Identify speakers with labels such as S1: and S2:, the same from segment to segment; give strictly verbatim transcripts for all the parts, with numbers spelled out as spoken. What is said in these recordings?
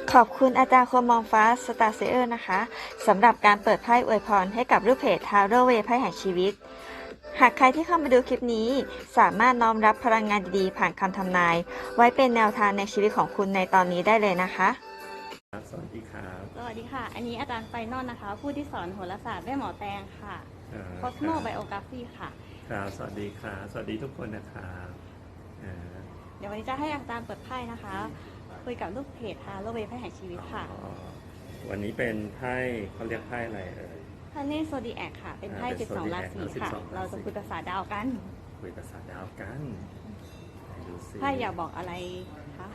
S1: ขอบคุณอาจารย์คมมองฟ้าสตาร์เซเออร์นะคะสำหรับการเปิดไพ่อวยพรให้กับลูกเพจทาโร่เวไพ่แห่งชีวิตหากใครที่เข้ามาดูคลิปนี้สามารถน้อมรับพลังงานดีๆผ่านคำทำนายไว้เป็นแนวทางในชีวิตของคุณในตอนนี้ได้เลยนะคะ
S2: สวัสดีครับ
S3: สวัสดีค่ะอันนี้อาจารย์ไฟนอลนะคะผู้ที่สอนโหราศาสตร์แม่หมอแตงค่ะ Cosmo Biography ค่ะ
S2: ครับสวัสดีครับสวัสดีทุกคนนะครับ
S3: เดี๋ยววันนี้จะให้อาจารย์เปิดไพ่นะคะคุยกับลูกเพจทาโร่เวไพ่แห่งชีวิตค่ะ
S2: วันนี้เป็นไพ่เขาเรียกไพ่อะไรเอ่ย
S3: พระเนตรโซดีแอคค่ะเป็นไพ่สิบสองราศีค่ะเราจะคุยภาษาดาวกัน
S2: คุยภาษาดาวกันดูสิ
S3: ไพ่อยากบอกอะไรคะ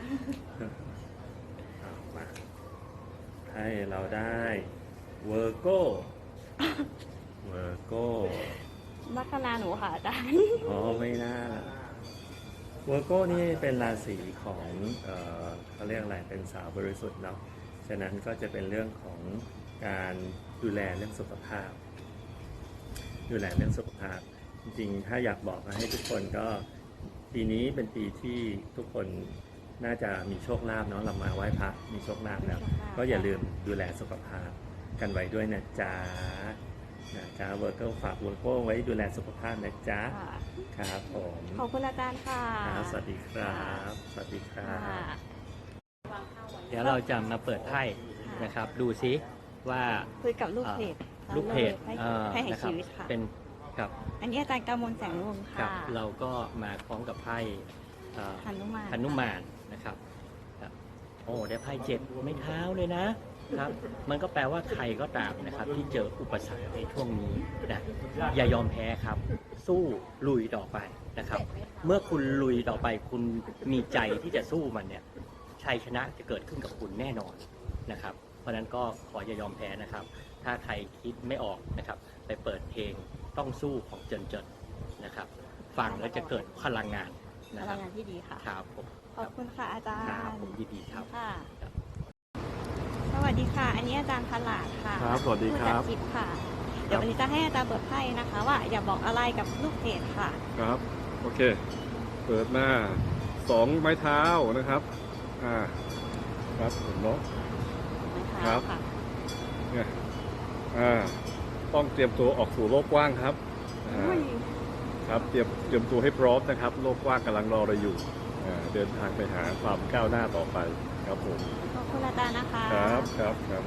S2: มาให้เราได้เวอร์โกเวอร์โก
S3: ลัคนาหนูค่ะอาจารย์
S2: อ๋อไม่น่าเวอร์โกนี่เป็นราศีของเอ่อเขาเรียกอะไรเป็นสาวบริสุทธิ์เนาะฉะนั้นก็จะเป็นเรื่องของการดูแลเรื่องสุขภาพดูแลเรื่องสุขภาพจริงๆถ้าอยากบอกให้ทุกคนก็ปีนี้เป็นปีที่ทุกคนน่าจะมีโชคลาภเนาะเรามาไหว้พระมีโชคลาภแล้วก็อย่าลืมดูแลสุขภาพกันไว้ด้วยนะจ๊ะนะจ๊ะเวอร์โกฝากเวอร์โกไว้ดูแลสุขภาพนะจ๊ะครับผม
S3: ขอบคุณอาจารย์ค่ะ
S2: สวัสดีครับสวัสดีครับ
S4: เดี๋ยวเราจะมาเปิดไพ่นะครับดูซิว่า
S3: คุยกับลูกเพจ
S4: ลูกเพจ
S3: ไพ่แห่งชีวิตค่ะ
S4: เป็นกับ
S3: อันนี้อาจารย์กำมลแสงวงศ์ค่ะ
S4: เราก็มาพร้อมกับไพ่
S3: หนุมาน
S4: หนุมานนะครับโอ้ได้ไพ่เจ็ดไม่เท้าเลยนะครับมันก็แปลว่าใครก็ตามนะครับที่เจออุปสรรคในช่วงนี้นะอย่ายอมแพ้ครับสู้ลุยต่อไปนะครับเมื่อคุณลุยต่อไปคุณมีใจที่จะสู้มันเนี่ยชัยชนะจะเกิดขึ้นกับคุณแน่นอนนะครับเพราะนั้นก็ขออย่ายอมแพ้นะครับถ้าใครคิดไม่ออกนะครับไปเปิดเพลงต้องสู้ของเจินเจินนะครับฟังแล้วจะเกิดพลังงาน
S3: พลังงานที่ดีค่ะ
S4: ครับผม
S3: ขอบคุณค่ะอาจารย์
S4: ครับผมยินดีครับ
S3: ค่ะสวัสดีค่ะอันนี้อาจารย์พลาดค่ะ
S5: ครับสวัสดีครับ
S3: ผู้จัดคลิปค่ะเดี๋ยววันนี้จะให้อาจารย์เปิดไพ่นะคะว่าอย่าบอกอะไรกับลูกเพจค่ะ
S5: ครับโอเคเปิดหน้าสองไม้เท้านะครับอ่าครับเห็นเนาะครับเนี่ยอ่าต้องเตรียมตัวออกสู่โลกกว้างครับครับเตรียมเตรียมตัวให้พร้อมนะครับโลกกว้างกำลังรอเราอยู่เดินทางไปหาความก้าวหน้าต่อไปครับผม
S3: ขอบคุณอาจารย์นะคะ
S5: ครับครับครับ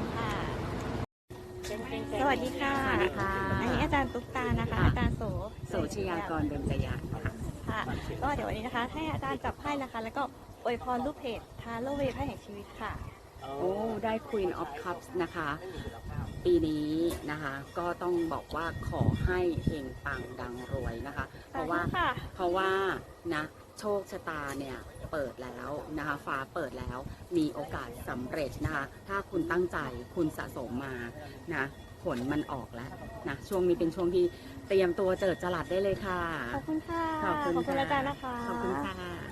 S3: สวัสดีค่ะอันนี้อาจารย์ตุ๊กตานะคะอาจารย์โส
S6: โสชยากรเบญจยะค่ะ
S3: ค่ะก็เดี๋ยววันนี้นะคะให้อาจารย์จับไพ่นะคะแล้วก็อวยพรลูกเพจทาโร่เวไพ่แห่งชีวิตค่ะ
S6: โอ้ได้ Queen of Cups นะคะปีนี้นะคะก็ต้องบอกว่าขอให้เฮงปังดังรวยนะคะเพราะว่าเพราะว่านะโชคชะตาเนี่ยเปิดแล้วนะคะฟ้าเปิดแล้วมีโอกาสสำเร็จนะคะถ้าคุณตั้งใจคุณสะสมมานะผลมันออกแล้วนะช่วงนี้เป็นช่วงที่เตรียมตัวเจิดจรัสได้เลยค่ะ
S3: ขอบคุณค่ะ
S6: ขอบคุณ
S3: อาจารย์นะคะ
S6: ขอบคุณค่ะ